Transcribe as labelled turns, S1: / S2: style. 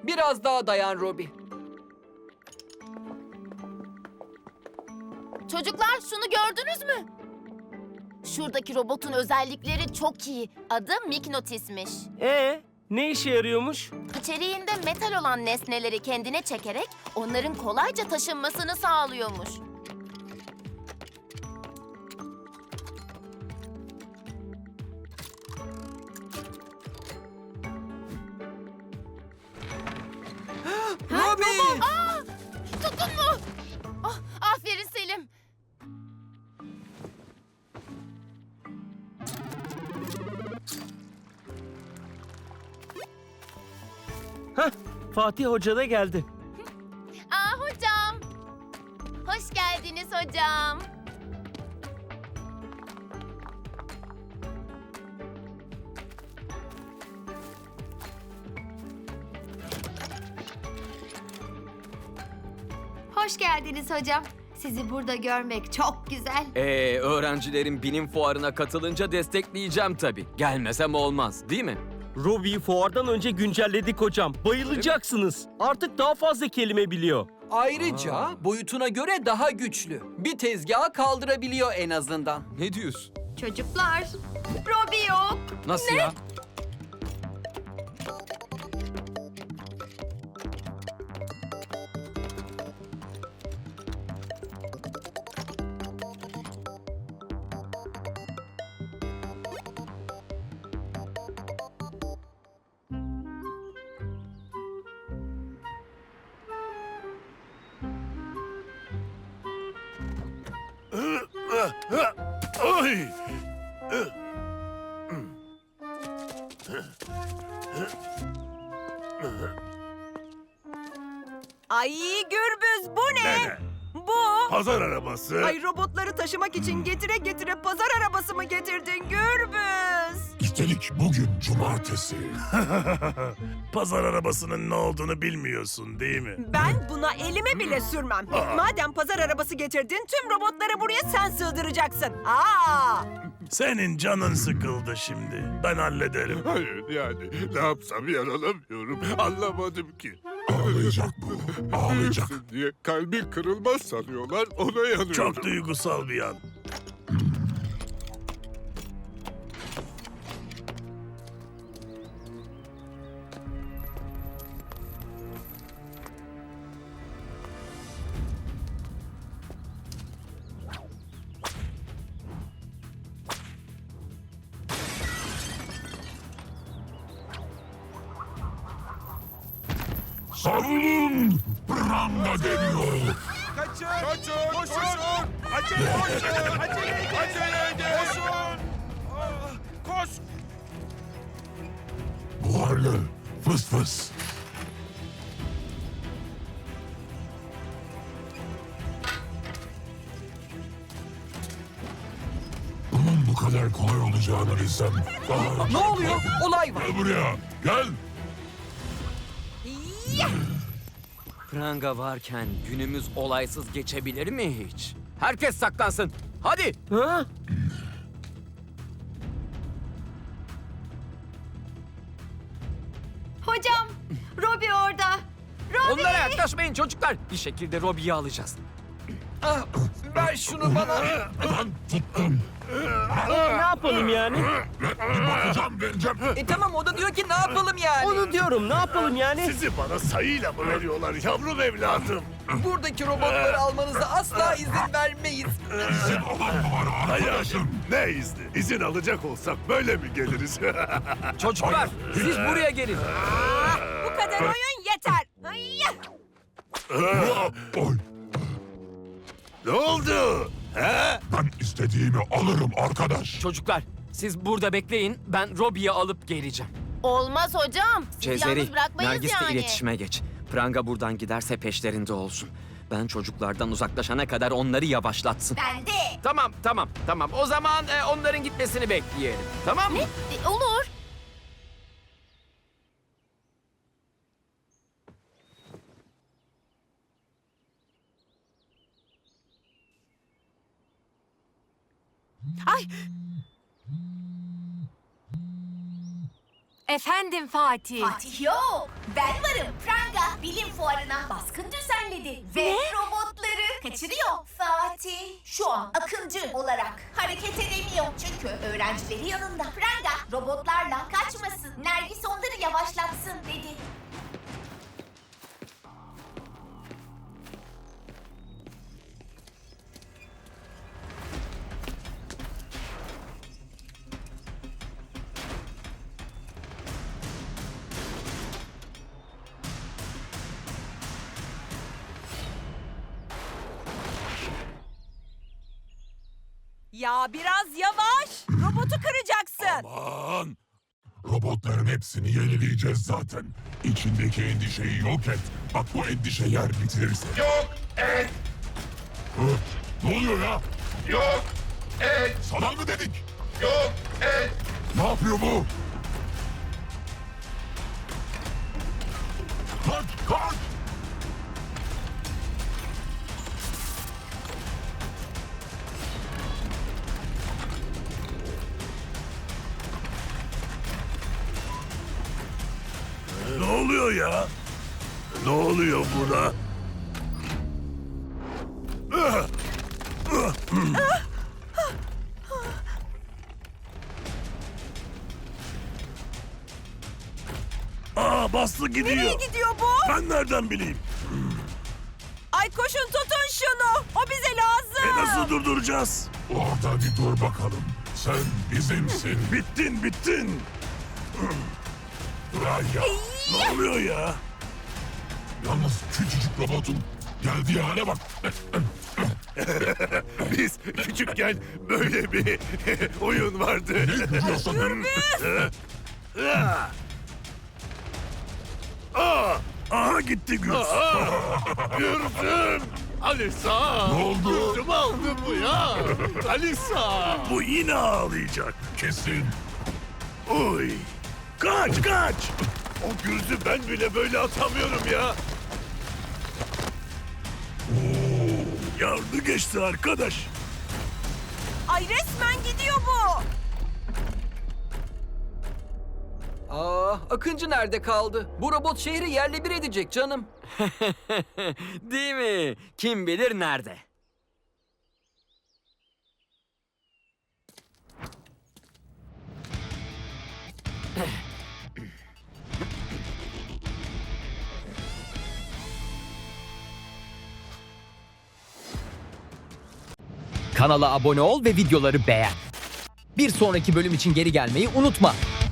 S1: Biraz daha dayan Robbie.
S2: Çocuklar şunu gördünüz mü? Şuradaki robotun özellikleri çok iyi. Adı Mignotis'miş.
S3: Ne işe yarıyormuş?
S2: İçeriğinde metal olan nesneleri kendine çekerek onların kolayca taşınmasını sağlıyormuş.
S1: Robbie!
S2: Tuttun mu? Ah, aferin Selim.
S3: Hah, Fatih Hoca da geldi.
S2: Hocam. Hoş geldiniz hocam.
S4: Hoş geldiniz hocam. Sizi burada görmek çok güzel.
S5: Öğrencilerin bilim fuarına katılınca destekleyeceğim tabii. Gelmesem olmaz, değil mi?
S3: Robbie'yi fuardan önce güncelledik hocam. Bayılacaksınız. Artık daha fazla kelime biliyor.
S1: Ayrıca boyutuna göre daha güçlü. Bir tezgahı kaldırabiliyor en azından.
S5: Ne diyorsun?
S4: Çocuklar, Robbie yok.
S5: Nasıl ya?
S6: Ay!
S7: Ay Gürbüz, bu ne? Bu.
S6: Pazar arabası.
S7: Ay robotları taşımak için getire getire pazar arabası mı getirdin Gürbüz?
S6: Üstelik bugün cumartesi. Pazar arabasının ne olduğunu bilmiyorsun değil mi?
S7: Ben buna elime bile sürmem. Madem pazar arabası getirdin, tüm robotları buraya sen sığdıracaksın.
S6: Senin canın sıkıldı şimdi. Ben hallederim.
S8: Hayır yani ne yapsam yaralamıyorum. Anlamadım ki.
S6: Ağlayacak bu. Ağlayacak.
S8: Diye kalbi kırılmaz sanıyorlar ona yanıyorum.
S6: Çok duygusal bir an. Savunun! Branda geliyor!
S8: Kaçın! Koşun! Acele koşun! Acele edin! Koşun! Koş!
S6: Buharlı! Fıs fıs! Bunun bu kadar kolay olacağını bilsem daha önce...
S1: Ne oluyor? Olay var.
S6: Gel buraya! Gel!
S5: Pranga varken günümüz olaysız geçebilir mi hiç? Herkes saklansın. Hadi.
S3: Ha?
S4: Hocam, Robbie orada. Robbie!
S5: Onlara yaklaşmayın çocuklar. Bir şekilde Robbie'yi alacağız.
S1: Ah, ver şunu bana.
S6: Ben tuttum!
S3: Ne yapalım yani?
S6: Bakacağım vereceğim!
S1: Tamam, o da diyor ki ne yapalım yani?
S3: Onu diyorum, ne yapalım yani?
S6: Sizi bana sayıyla mı veriyorlar yavrum evladım?
S1: Buradaki robotları almanıza asla izin vermeyiz.
S6: İzin olan mı var arkadaşım? Ne izni? İzin alacak olsak böyle mi geliriz?
S5: Çocuklar siz buraya gelin.
S7: Bu kadar oyun yeter. Ay!
S6: Oy! Ne oldu? He? Ben istediğimi alırım arkadaş.
S5: Çocuklar siz burada bekleyin. Ben Robbie'yi alıp geleceğim.
S2: Olmaz hocam. Sizi
S5: Cezeri,
S2: yalnız bırakmayız
S5: Nergis'le
S2: yani.
S5: iletişime geç. Pranga buradan giderse peşlerinde olsun. Ben çocuklardan uzaklaşana kadar onları yavaşlatsın.
S4: Ben de.
S5: Tamam. O zaman onların gitmesini bekleyelim. Tamam mı?
S2: Olur.
S4: Efendim Fatih.
S2: Fatih yok.
S9: Ben varım. Pranga bilim fuarına baskın düzenledi ve robotları kaçırıyor. Fatih şu an akıncı olarak hareket edemiyor çünkü öğrencileri yanında. Pranga robotlarla kaçmasın. Nergis onları yavaşlatsın dedi.
S7: Ya biraz yavaş. Robotu kıracaksın.
S8: Aman! Robotların hepsini yenileyeceğiz zaten. İçindeki endişeyi yok et. Bak bu endişe yer bitirirse. Yok et! Ne oluyor ya? Yok et! Sana mı dedik? Yok et! Ne yapıyor bu? Kaç! Kaç!
S6: Ne oluyor ya? Ne oluyor buna? Aa, bastı gidiyor.
S7: Nereye gidiyor bu?
S6: Ben nereden bileyim?
S7: Ay koşun tutun şunu. O bize lazım.
S6: Nasıl durduracağız?
S8: Orada bir dur bakalım. Sen bizimsin.
S6: Bittin, bittin.
S8: Raya.
S6: Ne oluyor ya?
S8: Yalnız küçücük robotun geldiği hale bak.
S6: Biz küçükken böyle bir oyun vardı.
S8: Ne gülüyorsun?
S6: Aha gitti Gürs.
S8: Gürdüm. Alisa. Ne oldu? Gürdüm aldı bu ya. Alisa.
S6: Bu yine ağlayacak.
S8: Kesin.
S6: Oy. Kaç, kaç. O Gürs'ü ben bile böyle atamıyorum ya. Yardı geçti arkadaş.
S7: Ay resmen gidiyor bu.
S1: Aa, Akıncı nerede kaldı? Bu robot şehri yerle bir edecek canım.
S5: Değil mi? Kim bilir nerede?
S10: Kanala abone ol ve videoları beğen. Bir sonraki bölüm için geri gelmeyi unutma.